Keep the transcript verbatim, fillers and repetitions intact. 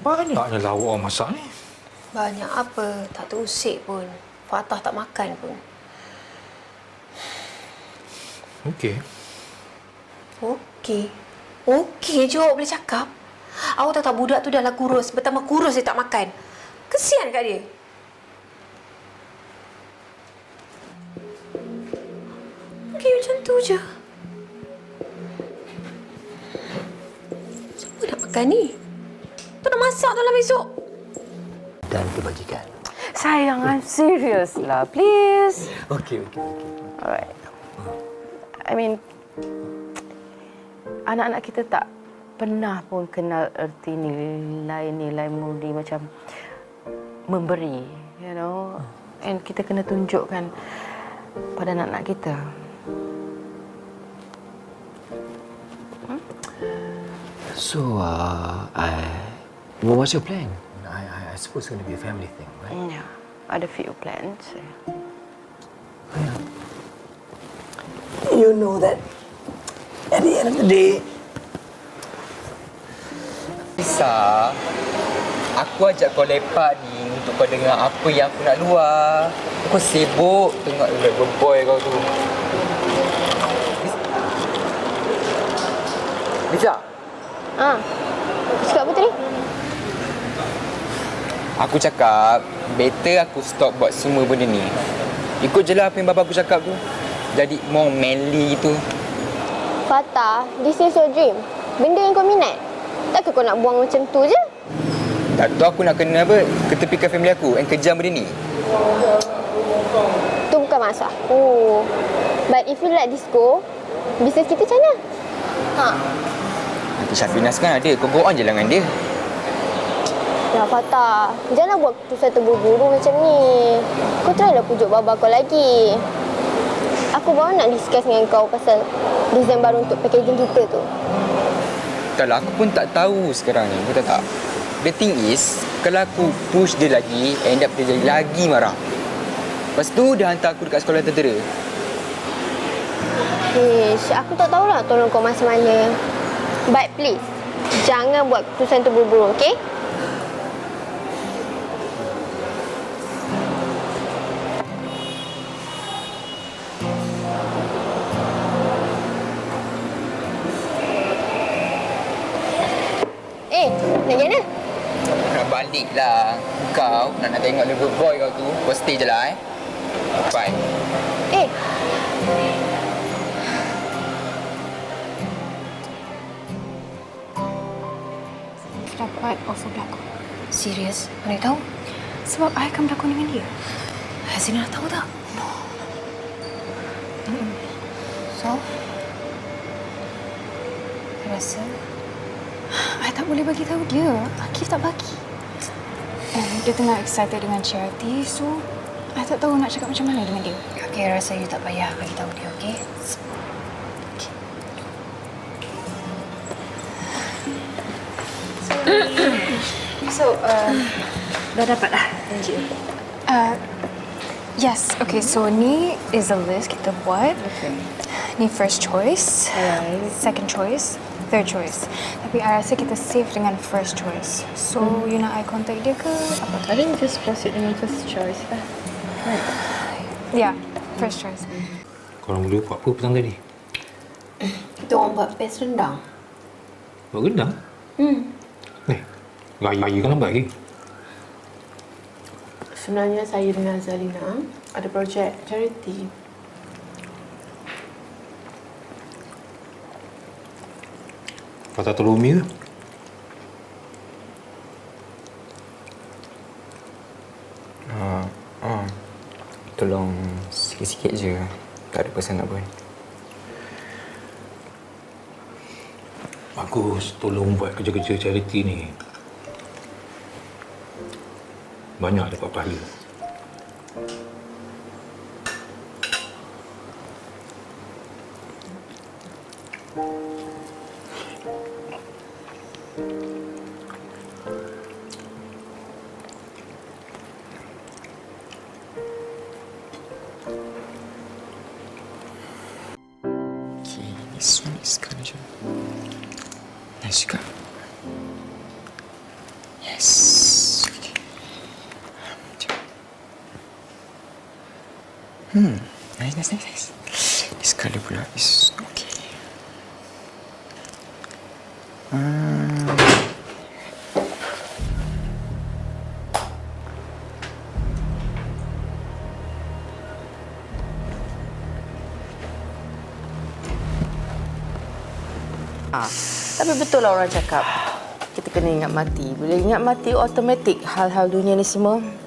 Banyaknya lauk orang masak ni. Banyak apa? Tak terusik pun. Fatah tak makan pun. Okey. Okey. Okey je awak boleh cakap. Awak tahu tak budak tu dah lah kurus. Bertambah kurus dia tak makan. Kesian kat dia. Okey macam tu je. Siapa nak makan ni? Tu nak masak tu lah besok. Dan kebajikan. Sayang, I'm serious lah. Please. Okey, okey, okey. Alright. I mean, anak-anak kita tak pernah pun kenal erti nilai-nilai murni macam memberi, you know. And kita kena tunjukkan pada anak-anak kita. Hmm? So, uh, I, what was your plan? I, I, I suppose it's going to be a family thing, right? Yeah, ada few plans. Oh, yeah. You know that at the end of the day, Lisa, aku ajak kau lepak ni untuk kau dengar apa yang aku nak luar. Aku sibuk tengok level boy kau tu. Lisa. Ah, aku cakap apa tadi? Aku cakap, better aku stop buat semua benda ni. Ikut je lah apa yang bapa aku cakap tu. Jadi more manly gitu. Fatah, this is your dream. Benda yang kau minat. Takkan kau nak buang macam tu je? Tak tahu aku nak kena apa, ketepikan family aku and kejam benda ni. Tu bukan maksud aku. But if you let this go, bisnes kita macam mana? Ha. Nanti Syafinas kan ada, kau go on je lah dengan dia. Ya Fatah, janganlah buat keputusan terburu-buru macam ni. Kau try lah pujuk baba kau lagi. Aku baru nak discuss dengan kau pasal design baru untuk packaging kita tu. Kalau aku pun tak tahu sekarang ni, betul tak? The thing is, kalau aku push dia lagi, end up dia jadi lagi marah. Lepas tu dia hantar aku dekat sekolah tentera. Ish, aku tak tahulah tolong kau masa mana. But please, jangan buat keputusan terburu-buru, okey? Eh, nak pergi mana? Nak balik lah. Kau nak nak tengok level boy kau tu, kau stay je lah eh. Bye. Eh. Dapat offer berlakon. Serius? Mana tahu? Sebab I akan berlakon dengan dia. Hazina tahu tak? No. Hmm. So? I rasa I tak boleh bagi tahu dia. Akif tak bagi. And dia tengah excited dengan charity, so I tak tahu nak cakap macam mana dengan dia. Okay, I rasa you tak payah bagi tahu dia, okay? So, um, dah dapat lah janji. Uh, yes, okay, so ni is a list kita buat. Okay. Ni first choice, Alright. second choice, third choice. Tapi I rasa kita safe dengan first choice. So, hmm. you nak I contact dia ke apa? I think just proceed dengan first choice lah. Right. Yeah, first choice. Korang boleh buat apa petang tadi? Kita orang buat pes rendang. Buat rendang? Hmm. Eh, raya kan lambat lagi. Sebenarnya saya dengan Zalina ada projek charity. Fatah tolong Umi ke? Uh, uh, tolong sikit-sikit je. Tak ada pesan apa. Bagus, tolong buat kerja-kerja charity ni. Banyak dapat pahala. Okay, this one is kind of nice juga. Yes. Okay. Hmm. Nice, nice, nice, nice. This colour pula is okay. Hmm. Ha, tapi betul lah orang cakap kita kena ingat mati. Bila ingat mati, automatik hal-hal dunia ni semua